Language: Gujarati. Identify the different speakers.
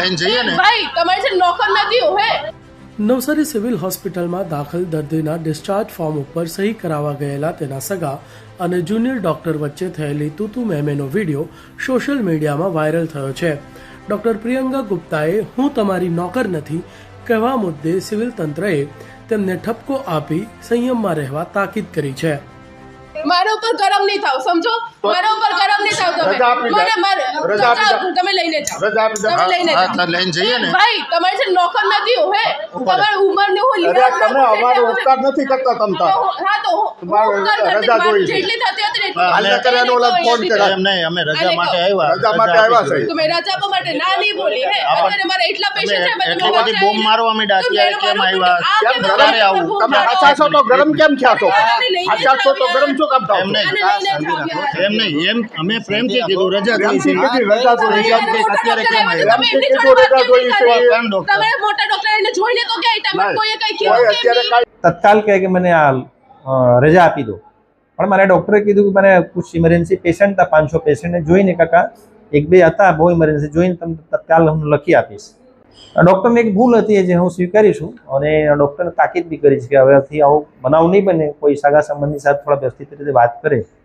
Speaker 1: લઈને જઈએ ને
Speaker 2: ભાઈ તમારે છે નોકર નથી હે।
Speaker 3: નવસારી સિવિલ હોસ્પિટલમાં દાખલ દર્દીના ડિસ્ચાર્જ ફોર્મ ઉપર સહી કરાવવા ગયેલા તેના સગા અને જુનિયર ડોક્ટર વચ્ચે થયેલી તૂતુ મેમેનો વિડીયો સોશિયલ મીડિયામાં વાયરલ થયો છે। ડોક્ટર પ્રિયંકા ગુપ્તાએ હું તમારી નોકર નથી કહેવા મુદ્દે સિવિલ તંત્રએ તેમને ઠપકો આપી સંયમમાં રહેવા તાકીદ કરી છે।
Speaker 2: મારા ઉપર ગરમ નહીં થાવ, સમજો, મારા ઉપર ગરમ નહીં થાવ તમે લઈને જાઓ, તમે લઈને જાઓ,
Speaker 1: લઈને જઈએ ને
Speaker 2: ભાઈ તમારે છે નોકર નથી હે, તમારી ઉંમર ને હું
Speaker 4: તમે અમારો ઉપકાર નથી કરતા તમતા
Speaker 2: હા તો
Speaker 4: રજા જોઈ છે
Speaker 2: જેટલી થતી હતી ને
Speaker 4: હાલ ન કરે એનો ઓલા ફોન કરે
Speaker 1: એમ નહીં, અમે રજા માટે આવ્યા
Speaker 4: છે
Speaker 2: તમે રજા આપવા માટે ના નહીં બોલી હે। અત્યારે મારા એટલા પેશન્ટ છે,
Speaker 1: એટલી બધી બોમ્બ મારવા માંડ્યા અત્યારે કેમ આવ્યા ક્યારે આવું
Speaker 4: તમે આછા છો તો ગરમ કેમ થયા છો આછા છો તો ગરમ શું કામ થાવ
Speaker 1: એમ નહીં એમ અમે પ્રેમથી કીધું રજા જોઈ છે
Speaker 4: રજા જોઈ
Speaker 1: એમ કે અત્યારે કેમ આવ્યા
Speaker 2: તમે એમની જોડે વાત કેમ કરી? તમે મોટા ડોક્ટર એને જોઈને તો ક્યાં તમે કોઈએ કઈ કીધું
Speaker 4: અત્યારે
Speaker 2: કે
Speaker 5: तत्काल कहे कि मैंने रजा आपी दो પણ મારે ડૉક્ટરે કીધું કે મને કુછ ઇમરજન્સી પેશન્ટ હતા 500 પેશન્ટને જોઈને કાકા એક બે હતા બહુ ઇમરજન્સી જોઈને તમને તત્કાલ હું લખી આપીશ। ડૉક્ટરને એક ભૂલ હતી જે હું સ્વીકારીશું અને ડૉક્ટરને તાકીદ બી કરી છે કે હવેથી આવો બનાવ નહીં બને, કોઈ સગા સંબંધી સાથે થોડા વ્યવસ્થિત રીતે વાત કરે।